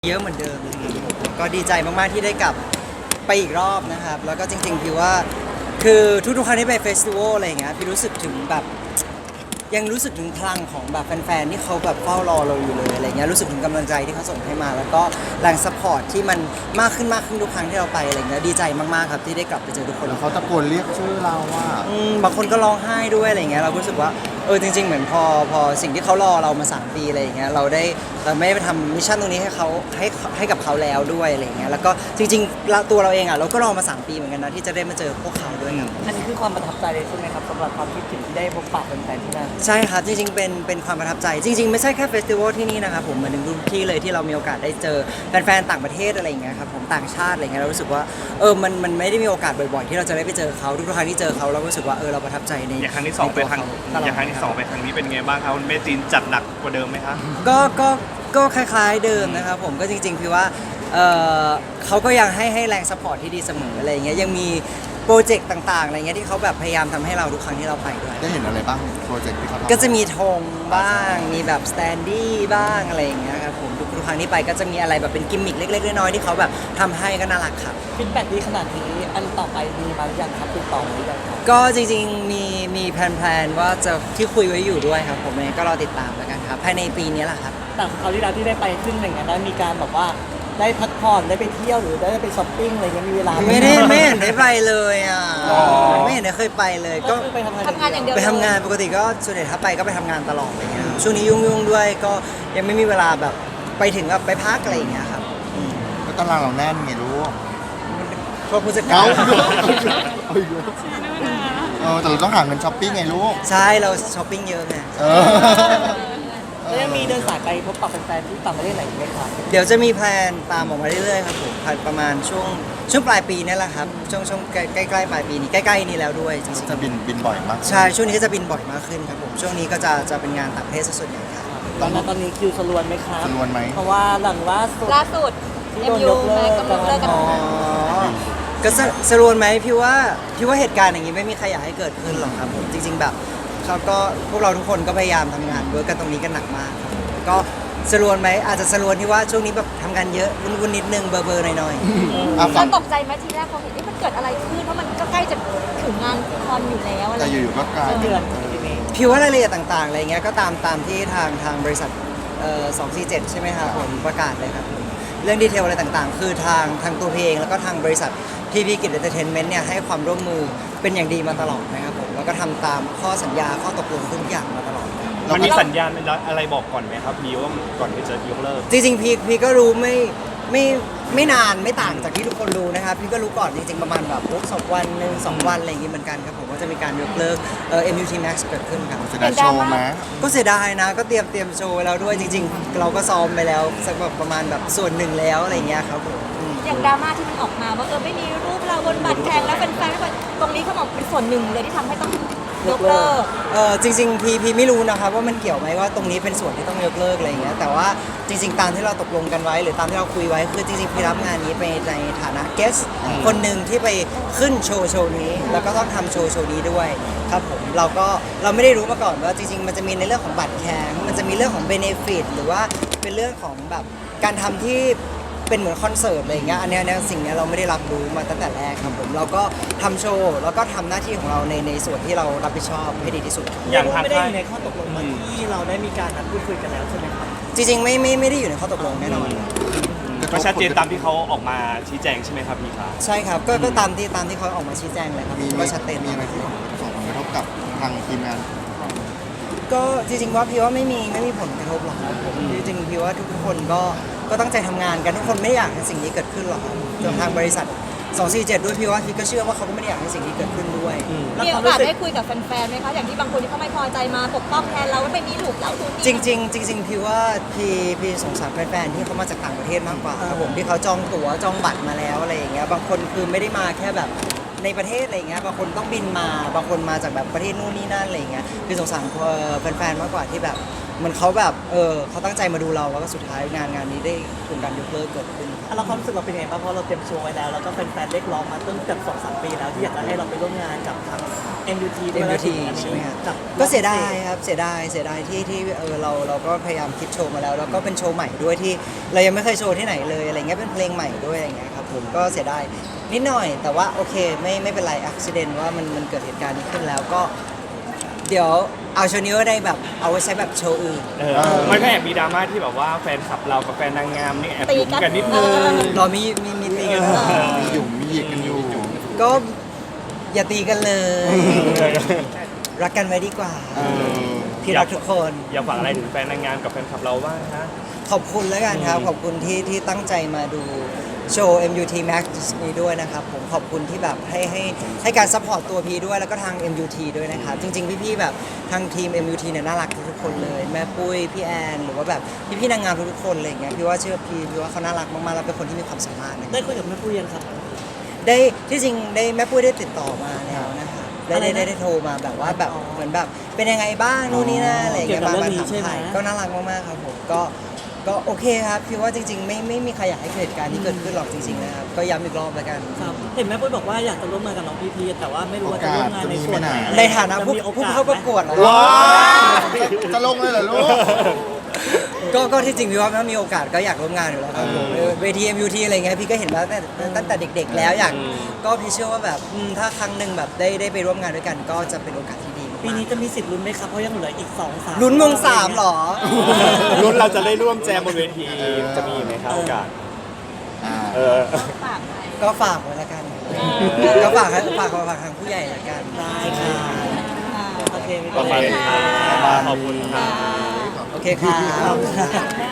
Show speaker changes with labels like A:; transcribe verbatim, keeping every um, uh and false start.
A: เยอะเหมือนเดิมก็ดีใจมากๆที่ได้กลับไปอีกรอบนะครับแล้วก็จริงๆพี่ว่าคือทุกๆครั้งที่ไปเฟสติวัลอะไรอย่างเงี้ยพี่รู้สึกถึงแบบยังรู้สึกถึงพลังของแบบแฟนๆที่เขาแบบเฝ้ารอเราอยู่เลยอะไรเงี้ยรู้สึกถึงกำลังใจที่เขาส่งให้มาแล้วก็แรงซัพพอร์ตที่มันมากขึ้นมากขึ้นทุกครั้งที่เราไปอะไรเงี้ยดีใจมากๆครับที่ได้กลับไปเจอทุกคน
B: แล้วเขาตะโกนเรียกชื่อเราว่า
A: อืมบางคนก็ร้องไห้ด้วยอะไรเงี้ยเราก็รู้สึกว่าเออจริงๆเหมือนพอพอสิ่งที่เขารอเรามาสามปีอะไรอย่างเงี้ยเราได้เราไม่ได้ไปทำมิชชั่นตรงนี้ให้เขาให้ให้กับเขาแล้วด้วยอะไรเงี้ยแล้วก็จริงๆเราตัวเราเองอ่ะเราก็รอมาสามปีเหมือนกันนะที่จะได้มาเจอพวกเขาด้วยครับ
C: อันนี้คือความประทับใจเลยใช่ไหมครับสำหรับความคิดถึงที่ได้พบปะแฟนๆที่นั่น
A: ใช่ครับจริงๆเป็นเป็นความประทับใจจริงๆไม่ใช่แค่เฟสติวัลที่นี่นะครับผมเหมือนทุกที่เลยที่เรามีโอกาสได้เจอแฟนๆต่างประเทศอะไรอย่างเงี้ยครับผมต่างชาติอะไรเงี้ยเรารู้สึกว่าเออมันมันไม่ได้มีโอกาสบ่อยๆที่เราจะได้ไปเจอเขาทุกๆครั้งที่เจอเขาเรารู้สึกว่าเออเราประทับใจใน
D: อย่างครั้งที่สองไปครั้ง
A: ในตัวเข
D: อย่างครั้งที่สองไปครั้งนี้เป็นไงบ้างครับคุณเมจีนจัดหนักกว่าเดิมไหมครับ
A: ก็ก็ก็คล้ายๆเดิมนะครับผมก็จริงๆพี่ว่าเออเขาก็ยังให้ให้แรงสปอร์ตที่ดีเสมออะไรอย่างเงี้ยยังมีโปรเจกต์ต่างๆอะไรเงี้ยที่เขาแบบพยายามทำให้เราทุกครั้งที่เราไปด้วย
B: ได้เห็นอะไรบ้างโปรเจกต์ที่เขาทำ
A: ก็จะมีธงบ้างมีแบบสแตนดี้บ้างอะไรอย่างเงี้ยครับผมทุกๆครั้งที่ไปก็จะมีอะไรแบบเป็นกิมมิคเล็กๆน้อยๆที่เขาแบบทำให้ก็น่ารักครับ
C: ฟีดแบ็กดีขนาดนี้อันต่อไปมีมาหรือยังครับติดต่อมาหรือยังครับ
A: ก็จริงๆมีมีแพลนๆว่าจะที่คุยไว้อยู่ด้วยครับผมเองก็รอติดตามแล้วกันครับภายในปีนี้แหละครับ
C: แต่คราวที่แล้วที่ได้ไปขึ้นหนึ่งอันนั้นมีการแบบว่าได้พักผ่อนได้ไปเที่ยวหรือได้ไปช้อปปิ้งอะไรเงี้ยมีเวลาห
A: ไม่ได้ไม่เห็นได้ไปเลยอ่ะไม่เห็นได้เคยไปเลย
C: ก็
A: ก็
C: คือไปทำงาน
E: ทำงานอย่างเดียว
A: ไปทำงานปกติก็ส่วนใหญ่ถ้าไปก็ไปทำงานตลอดอะไรเงี้ยครับช่วงนี้ยุ่งๆด้วยก็ยังไม่มีเวลาแบบไปถึงแบบไปพักอะไรอย่างเงี้ยครับอืม
B: ก็ตารางเราแน่นไงรู้
A: พวกผู้จัดกา
B: เก้าร เออแต่เราต้องหาเงินช้อปปิ้งไงลูก
A: ใช่เราช้อปปิ้งเยอะไง
B: เออ
C: แล้วยังมีเดินสายไปพบปะแฟนๆที่ต่างประเทศไหนอีกไหมครับ
A: เดี๋ยวจะมีแพลนตามออกมาเรื่อยๆครับผมประมาณช่วงช่วงปลายปีนี่แหละครับช่วงช่วงใกล้ใกล้ๆปลายปีนี้ใกล้ๆนี้แล้วด้วยจริง
B: จะบินบินบ่อยมาก
A: ๆใช่ช่วงนี้ก็จะบินบ่อยมากขึ้นครับผมช่วงนี้ก็จะจะเป็นงานต่างประเทศซะส่วนใหญ่ครับ
C: ตอนนั้นตอนนี้คิวสลวนไหมครับ
B: จำนวนไหม
C: เพราะว่าหลังล่าสุด
E: ล่าสุด
C: ที่
E: เอ็
C: โด
E: ม
C: น
E: ยู
C: ยกเลิ
E: แม็
C: ก
E: กกำลังเลิกกัน
A: อ๋อก็สสรวนไหมพี่ว่าพี่ว่าเหตุการณ์อย่างนี้ไม่มีใครอยากให้เกิดขึ้นหรอกครับผมจริง ๆ แบบเขาก็พวกเราทุกคนก็พยายามทำงานเวิร์กกันตรงนี้กันหนักมากครับก็สรวนไหมอาจจะสรวนที่ว่าช่วงนี้แบบทำงานเยอะวุ่นๆนิดนึงเบอร์เบอร์หน่อยๆ
B: อ่ะ
E: ต
B: ฝั่
E: อง นตกใจไหมทีแรกพอเห็นว่ามันเกิดอะไรขึ้นเพราะมันก็ใกล้จะถึงงานคอนอยู่แล้วอะไร
B: แต่
E: อย่าง
B: อ
E: เงี้ย
B: ยู่ๆก็กลาย
C: เดือนทีนี้
A: พี่ว่ารายละเอียดต่างๆอะไรเงี้ยก็ตามตามที่ทางทางบริษัทเอ่อสองสี่เจ็ดใช่ไหมครับผมประกาศเลยครับผมเรื่องดีเทลอะไรต่างๆ คือทางทางตัวเพลงแล้วก็ทางบริษัทพีพีกิจเอนเตอร์เทนเมนต์เนี่ยให้ความร่วมมือเป็นอย่างดีมาตลอดนะครับผมแล้วก็ทำตามข้อสัญญาข้อตกลงทุกอย่างมาตลอด
D: มันมีสัญญาณอะไรบอกก่อนไหมครับมีว่าก่อนที่จะยกเลิก
A: จริงๆพี่พี่ก็รู้ไม่ไม่ไม่นานไม่ต่างจากที่ทุกคนรู้นะครับพี่ก็รู้ก่อนจริงๆประมาณแบบสองวันหนึ่งสองวันอะไรอย่างงี้เหมือนกันครับผมว่าจะมีการยกเลิกเอ่อ เอ็ม ยู ที Max เกิดขึ้นครับ
B: จะได้โชว์ไหม
A: ก็เสียดายนะก็เตรียมเตรียมโชว์ไว้แล้วด้วยจริง ๆ เราก็ซ้อมไปแล้วสักแบบประมาณแบบส่วนหนึ่งแล้วอะไรเงี้ยครับผมอืม
E: อย่างดราม่าที่มันออกมาว่าเออไม่มีรูปเราบนบัตรแข่งแล้วแฟนๆไม่ค่อยตรงนี้เขาบอกเป็นส่วนหนึ่งเลยที่ทำให้ต้องยกเลิก
A: เออจริงๆพีพีไม่รู้นะครับว่ามันเกี่ยวไหมว่าตรงนี้เป็นส่วนที่ต้องยกเลิกอะไรเงี้ยแต่ว่าจริง ๆ ตามที่เราตกลงกันไว้ หรือตามที่เราคุยไว้คือจริงๆพี่รับงานนี้ไปในฐานะเกสคนหนึ่งที่ไปขึ้นโชว์โชว์นี้ แล้วก็ต้องทำโชว์โชว์นี้ด้วยครับผมเราก็เราไม่ได้รู้มาก่อนว่าจริง ๆ มันจะมีในเรื่องของบัตรแข่งมันจะมีเรื่องของเบเนฟิตหรือว่าเป็นเรื่องของแบบการทำที่เป็นเหมือนคอนเสิร์ตอะไรอย่างเงี้ยอันเนี้ยเนี่ยสิ่งเนี้ยเราไม่ได้รับรู้มาตั้งแต่แรกครับผมเราก็ทำโชว์แล้วก็ทำหน้าที่ของเราในในส่วนที่เรารับผิดชอบให้ดีที่สุด
D: อย่างทาง
C: ไม่ได้
D: ค่า
C: อย ยู่ในข้อตกลงมาที่เราได้มีการนัดพูดคุยกันแล้วใช่ไหมครับ
A: จริงๆไม่ไม่ไม่ได้อยู่ในข้อตกลงแน่นอน
D: ก็ชัดเจนตามที่เขาออกมาชี้แจงใช่ไหมครับพี่ครับ
A: ใช่ครับก็ก็ตามที่ตามที่เขาออกมาชี้แจงเลยครับ
B: มี
A: ก็ชัดเจน
B: มีอะไรที่ส่งผลกระทบกับทางทีมงาน
A: ก็จริงๆว่าพี่ว่าไม่มีไม่มีผลกระทบหรอกครับผมจริงๆพี่ว่าทุกๆคนก็ก็ตั้งใจทำงานกันทุกคนไม่ได้อยากให้สิ่งนี้เกิดขึ้นหรอกครับจนทางบริษัทสองสี่เจ็ดด้วยพี่ว่าพี่ก็เชื่อว่าเขาก็ไม่ได้อยากให้สิ่งนี้เกิดขึ้นด้วย
C: แล้ว
E: มี
C: ค
E: โอ
C: วามรู้
E: กาส
C: สึก
E: ได้คุยกับแฟนๆไหมคะอย่างที่บางคนที่เขาไม่พอใจมาปกป้องแทนเราว่าไม่มีหลุมเราทุน
A: จริงๆจริงๆพี่ว่าพี่พี่สงสารแฟนๆที่เขามาจากต่างประเทศมากกว่าครับผมที่เขาจองตั๋วจองบัตรมาแล้วอะไรอย่างเงี้ยบางคนคือไม่ได้มาแค่แบบในประเทศอะไรเงี้ยบางคนต้องบินมาบางคนมาจากแบบประเทศนู่นนี่นั่นอะไรเงี้ยคือสงสารแฟนๆมากกว่าที่แบบเหมือนเขาแบบเออเขาตั้งใจมาดูเราแล้วก็สุดท้ายงานงานนี้ได้ถูกการยกเลิกเกิดขึ้นครับ
C: เราความรู้สึกเราเป็นยังไงบ้างเพราะเราเตรียมโชว์ไว้แล้วแล้วก็แฟนๆเรียกร้องมาตั้งเกือบสองสามปีแล้วที่อยากจะให้เราไปร่วมงานกับทาง เอ็ม ยู ที ด้วย
A: เอ็ม
C: แล้ว
A: ยู ที
C: ถึงอันนี้
A: ใช่ไหมครับ
C: กับ
A: ก็เสียดายครับเสียดายเสียดายที่ที่เออเราเราก็พยายามคิดโชว์มาแล้ว แล้วก็เป็นโชว์ใหม่ด้วยที่เรายังไม่เคยโชว์ที่ไหนเลยอะไรเงี้ยเป็นเพลงใหม่ด้วยอะไรเงี้ยครับผมก็เสียดายนิดหน่อย แต่ว่าโอเคไม่ไม่เป็นไรอักซิเดนว่ามันมันเกิดเหตุการณ์นี้ขึ้นแล้วก็ เดี๋ยวเอาโชว์นี้ก็ได้แบบเอาไว้ใช้แบบโชว์อื่น
D: เออมันก็แอบมีดราม่าที่แบบว่าแฟนคลับเรากับแฟนนางงามนี่แอบยุ่งกันนิดนึง
A: รอมีมีมีตีกัน
B: มีหยุ่มมีหยิกกันอยู่
A: ก็อย่าตีกันเลย รักกันไว้ดีกว่า
B: เออ
A: พี่รักทุกคน
D: อยากฝากอะไรถึงแฟนนางงามกับแฟนคลับเราบ้างฮะ
A: ขอบคุณแล้วกันครับ ขอบคุณที่ที่ตั้งใจมาดูโชว์ เอ็ม ยู ที Max นี้ด้วยนะครับผมขอบคุณที่แบบให้ให้ให้การซัพพอร์ตตัวพีด้วยแล้วก็ทาง เอ็ม ยู ที ด้วยนะครับ จริง ๆ พี่ ๆ แบบทางทีม เอ็ม ยู ที เนี่ยน่ารักทุกๆคนเลย แม่ปุ้ย พี่แอน หรือว่าแบบพี่ ๆ นางงามทุกๆคนอะไรอย่างเงี้ยพี่ว่าเชื่อพี่พี่ว่าเขาน่ารักมากๆแล้วเป็นคนที่มีความสามารถนะ
C: ได้คุยกับแม่ปุ้ยยังครับ
A: ได้ที่จริงได้แม่ปุ้ยได้ติดต่อมาแล้วนะครับได้
C: อะไร
A: ได้
C: นะ
A: ได้ได้โทรมาแบบว่าแบบ
C: อ๋อ
A: เหมือนแบบเป็นยังไงบ้างนู่นนี่นั่นอะไรอย่างเงี้ย
C: เกี่ยวกับ
A: มา
C: เรื่องนี้
A: ถาม
C: ใช่ไหม
A: ถ่ายก็น่ารักมากๆครับผมก็ก็โอเคครับพี่ว่าจริง ๆ ไม่ไม่มีใครอยากให้เกิดเหตุการณ์ที่เกิดขึ้นหรอกจริงๆนะครับก็ย้ำอีกรอบแล้วกัน
C: ครับเห็นแม่ปุ้ยบอกว่าอยากจะร่วมงานกับน้องพีพีแต่ว่าไม่รู้ว่าจะร่วมงานในส่วนไหน
A: ในฐานะผู้
C: จมีโอก
A: ผู้
C: ส
A: เข้าประกวดนะ
B: ว้าวจะลงเลยเหรอลูก
A: ก็ก็ที่จริงพี่ว่าถ้ามีโอกาสก็อยากร่วมงานอยู่แล้วครับผม
B: เออ
A: เวที เอ็ม ยู ที อะไรเงี้ยพี่ก็เห็นมาตั้งแต่ตั้งแต่เด็ก ๆ แล้วอยากก็พี่เชื่อว่าแบบอืมถ้าครั้งหนึ่งแบบได้ได้ไปร่วมงานด้วยกัน ก็จะเป็นโอกาสที่ดีมากๆ
C: ปีนี้จะมีสิทธิ์ลุ้นไหมครับเพราะยังเหลืออีกสองสาม
A: ลุ้นมงสามเหรอ
D: รุ่นเราจะได้ร่วมแจมบนเวทีจะมีไหมครับโอกาส
B: อ่า
D: เออ
E: ฝากไหม
A: ก็ฝากไว้ละกัน ก็ฝากให้ฝากฝากทางผู้ใหญ่ละกัน
C: ได้ค่ะ
E: อ่า
C: โอเคไม่
D: ประ
C: เป็น
D: มาณ
C: ไร
D: นี้ครับขอบคุณครับ
A: โอเคครับ
E: อ่า